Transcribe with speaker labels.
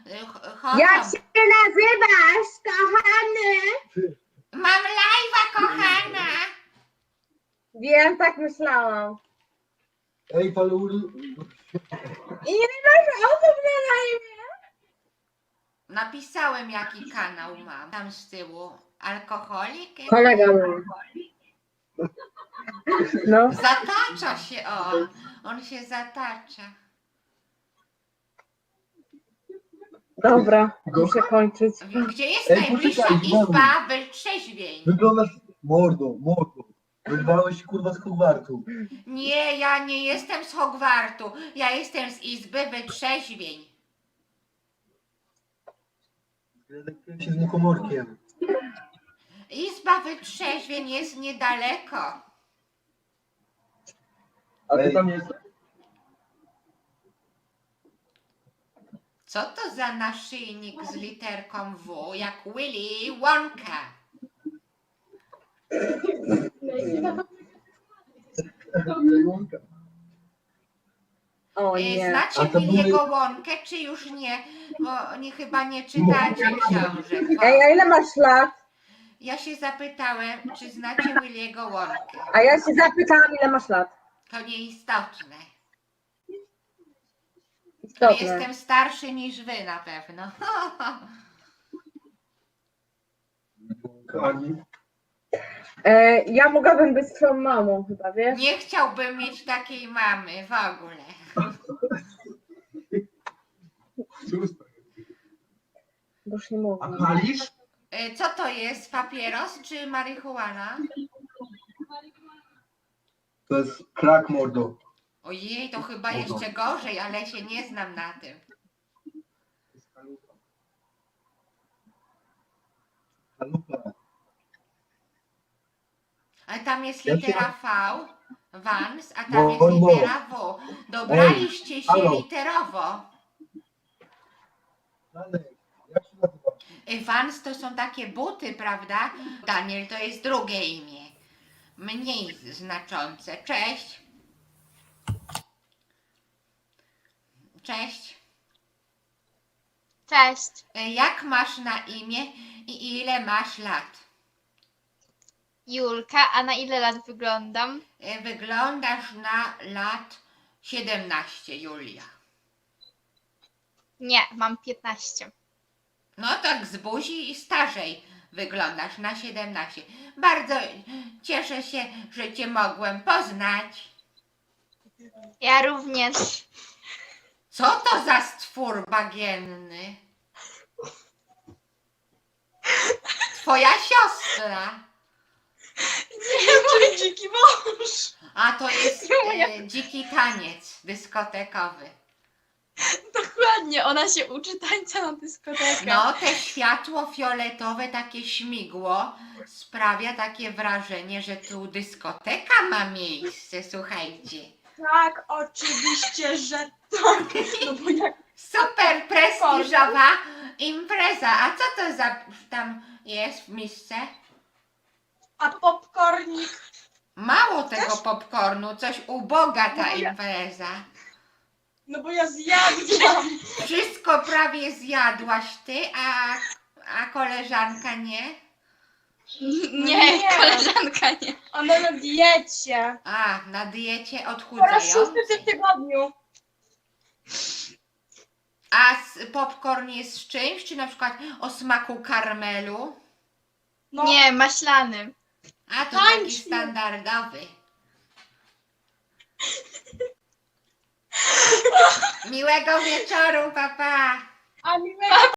Speaker 1: Jak
Speaker 2: chodzą.
Speaker 1: się nazywasz, kochany?
Speaker 2: Mam live'a, kochana.
Speaker 1: Wiem, tak myślałam.
Speaker 3: Ej, palury.
Speaker 1: Ile masz osób na live?
Speaker 2: Napisałem, jaki kanał mam. Tam z tyłu. Alkoholik?
Speaker 1: Kolega mój. No,
Speaker 2: Zatacza się, o. On się zatacza.
Speaker 1: dobra, muszę kończyć.
Speaker 2: Gdzie jest
Speaker 3: Ej,
Speaker 2: najbliższa
Speaker 3: poczekaj,
Speaker 2: izba wytrzeźwień?
Speaker 3: Wyglądasz mordo. Wyrwałeś się kurwa z Hogwartu.
Speaker 2: Nie, ja nie jestem z Hogwartu. Ja jestem z izby wytrzeźwień.
Speaker 3: Zgadzaję się z muchomorkiem.
Speaker 2: Izba wytrzeźwień jest niedaleko.
Speaker 3: A ty tam jesteś?
Speaker 2: Co to za naszyjnik z literką W, jak Willy Wonka?
Speaker 1: O nie.
Speaker 2: Znacie
Speaker 3: A to
Speaker 2: Willy'ego Wonkę, czy już nie? Bo chyba nie czytacie książek.
Speaker 1: Ej, a ile masz lat?
Speaker 2: Ja się zapytałem, czy znacie Willy'ego Wonkę.
Speaker 1: A ja się zapytałam, ile masz lat.
Speaker 2: To nieistotne.
Speaker 1: Istotne.
Speaker 2: Jestem starszy niż wy na pewno.
Speaker 3: Ani.
Speaker 1: Ja mogłabym być twoją mamą chyba, wiesz?
Speaker 2: Nie chciałbym mieć takiej mamy w ogóle.
Speaker 1: Bo już nie mogę.
Speaker 3: A palisz?
Speaker 2: Co to jest? Papieros czy marihuana?
Speaker 3: To jest krak mordo.
Speaker 2: Ojej, to chyba jeszcze gorzej, ale się nie znam na tym.
Speaker 3: Kalupa.
Speaker 2: Ale tam jest
Speaker 3: Ja się-
Speaker 2: litera V, Vans, a tam jest
Speaker 3: No.
Speaker 2: litera W. Dobraliście się
Speaker 3: halo.
Speaker 2: literowo.
Speaker 3: Janek, jak się nazywasz?
Speaker 2: Vans to są takie buty, prawda? Daniel to jest drugie imię. Mniej znaczące. Cześć. Cześć.
Speaker 4: Cześć,
Speaker 2: Jak masz na imię i ile masz lat?
Speaker 4: Julka, a na ile lat wyglądam?
Speaker 2: Wyglądasz na lat 17, Julia.
Speaker 4: Nie, mam 15.
Speaker 2: No tak z buzi i starzej wyglądasz na 17. Bardzo cieszę się, że Cię mogłem poznać.
Speaker 4: Ja również.
Speaker 2: Co to za stwór bagienny? Twoja siostra.
Speaker 4: Nie, mój dziki mąż.
Speaker 2: A to jest dziki taniec dyskotekowy.
Speaker 4: Dokładnie, ona się uczy tańca na dyskotekę.
Speaker 2: No, te światło fioletowe, takie śmigło sprawia takie wrażenie, że tu dyskoteka ma miejsce, słuchajcie.
Speaker 5: Tak, oczywiście, że tak. No bo jak
Speaker 2: Super prestiżowa impreza. A co to za tam jest w misce?
Speaker 5: a popcornik.
Speaker 2: Mało tego popcornu, coś uboga ta impreza.
Speaker 5: No bo ja zjadłam.
Speaker 2: Wszystko prawie zjadłaś ty, a koleżanka nie?
Speaker 4: Nie,
Speaker 5: Nie.
Speaker 4: koleżanka nie.
Speaker 5: Ona na diecie.
Speaker 2: A, na diecie
Speaker 5: Po raz
Speaker 2: odchudzającej.
Speaker 5: 6 w tygodniu.
Speaker 2: A popcorn jest z czymś, czy na przykład o smaku karmelu?
Speaker 5: No,
Speaker 4: Nie, maślany.
Speaker 2: A to taki
Speaker 5: Tańczy.
Speaker 2: standardowy. Miłego wieczoru, papa.
Speaker 5: a miłego